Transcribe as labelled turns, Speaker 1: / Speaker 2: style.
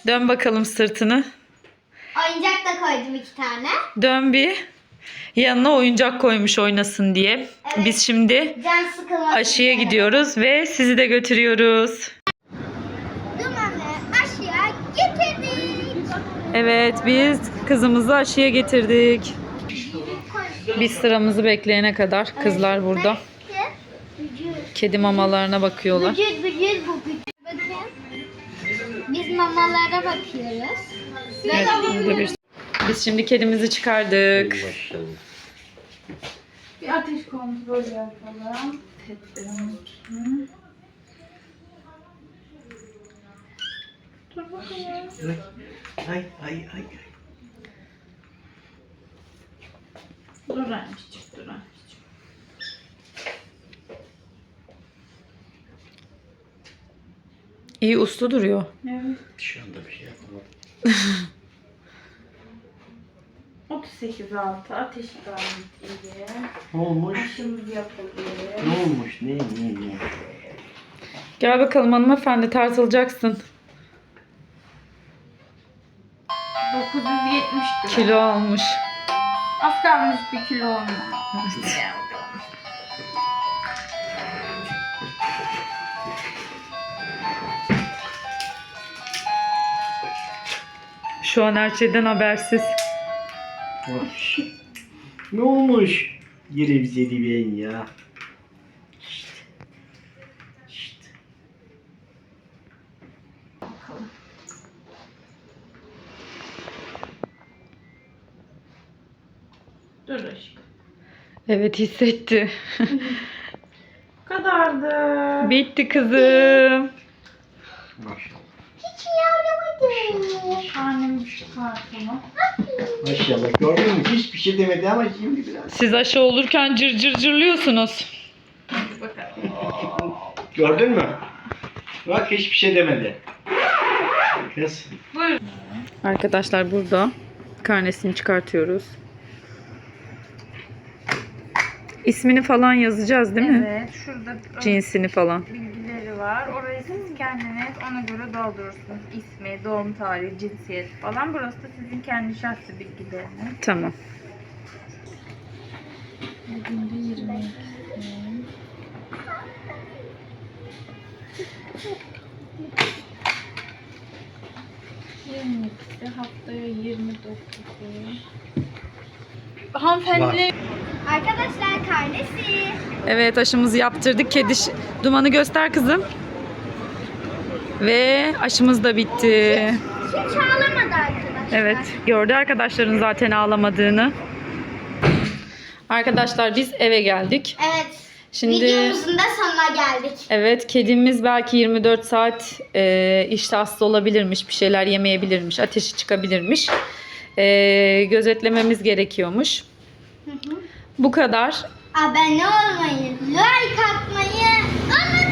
Speaker 1: Dön bakalım sırtını.
Speaker 2: Oyuncak da koydum 2 tane.
Speaker 1: Dön bir. Yanına oyuncak koymuş oynasın diye.
Speaker 2: Evet.
Speaker 1: Biz şimdi
Speaker 2: Can sıkılmasın
Speaker 1: aşıya
Speaker 2: diye.
Speaker 1: gidiyoruz ve sizi de götürüyoruz.
Speaker 2: Dumanı aşıya getirdik.
Speaker 1: Evet, biz kızımızı aşıya getirdik. Biz sıramızı bekleyene kadar kızlar burada. Kedi mamalarına bakıyorlar.
Speaker 2: Vücut bu vücut. Bakın. Biz mamalara bakıyoruz.
Speaker 1: Evet, burada biz şimdi kedimizi çıkardık.
Speaker 3: Bir ateş kontrolü yapalım. Tedbirimiz. Dur bakalım.
Speaker 4: Ay.
Speaker 3: Dur anneciğim, dur anneciğim.
Speaker 1: İyi uslu duruyor.
Speaker 3: Evet.
Speaker 4: Şu anda bir şey yapamadım.
Speaker 3: 38.6 ateşi gayet iyi.
Speaker 4: Ne olmuş?
Speaker 3: Aşımız yapılıyor.
Speaker 4: Ne olmuş? Ne?
Speaker 1: Gel bakalım hanımefendi, tartılacaksın.
Speaker 3: 970 lira.
Speaker 1: Kilo almış.
Speaker 3: Az kalmış bir kilo olmuş.
Speaker 1: Şu an her şeyden habersiz.
Speaker 4: Hoş. Ne olmuş? Yine bize ben ya. İşte.
Speaker 3: Dur aşkım.
Speaker 1: Evet, hissetti.
Speaker 3: Bu kadardı.
Speaker 1: Bitti kızım.
Speaker 4: Maşallah.
Speaker 2: Hiç yardım
Speaker 3: Annem çıkartını.
Speaker 4: Maşallah. Gördün mü? Hiçbir şey demedi ama şimdi biraz.
Speaker 1: Siz aşı olurken cır cır cırlıyorsunuz.
Speaker 3: Bakalım.
Speaker 4: Gördün mü? Bak hiçbir şey demedi. Kız.
Speaker 3: Buyurun.
Speaker 1: Arkadaşlar burada karnesini çıkartıyoruz. İsmini falan yazacağız değil mi?
Speaker 3: Evet, şurada
Speaker 1: Cinsini falan.
Speaker 3: bilgileri var. Orayı siz kendiniz ona göre doldurursunuz. İsmi, doğum tarihi, cinsiyet falan. Burası da sizin kendi şahsi bilgileriniz.
Speaker 1: Tamam.
Speaker 3: Bugün de 22. 22'si, haftaya 29'u. Hanımefendi.
Speaker 2: Arkadaşlar karnesi.
Speaker 1: Evet, aşımızı yaptırdık. Dumanı göster kızım. Ve aşımız da bitti.
Speaker 2: Hiç ağlamadı arkadaşlar.
Speaker 1: Evet, gördü arkadaşların zaten ağlamadığını. Arkadaşlar biz eve geldik.
Speaker 2: Evet.
Speaker 1: Şimdi
Speaker 2: Videomuzun da sonuna geldik.
Speaker 1: evet, kedimiz belki 24 saat işte hasta olabilirmiş, bir şeyler yemeyebilirmiş, ateşi çıkabilirmiş. Gözetlememiz gerekiyormuş. Bu kadar.
Speaker 2: Abone olmayı, like atmayı unutmayın.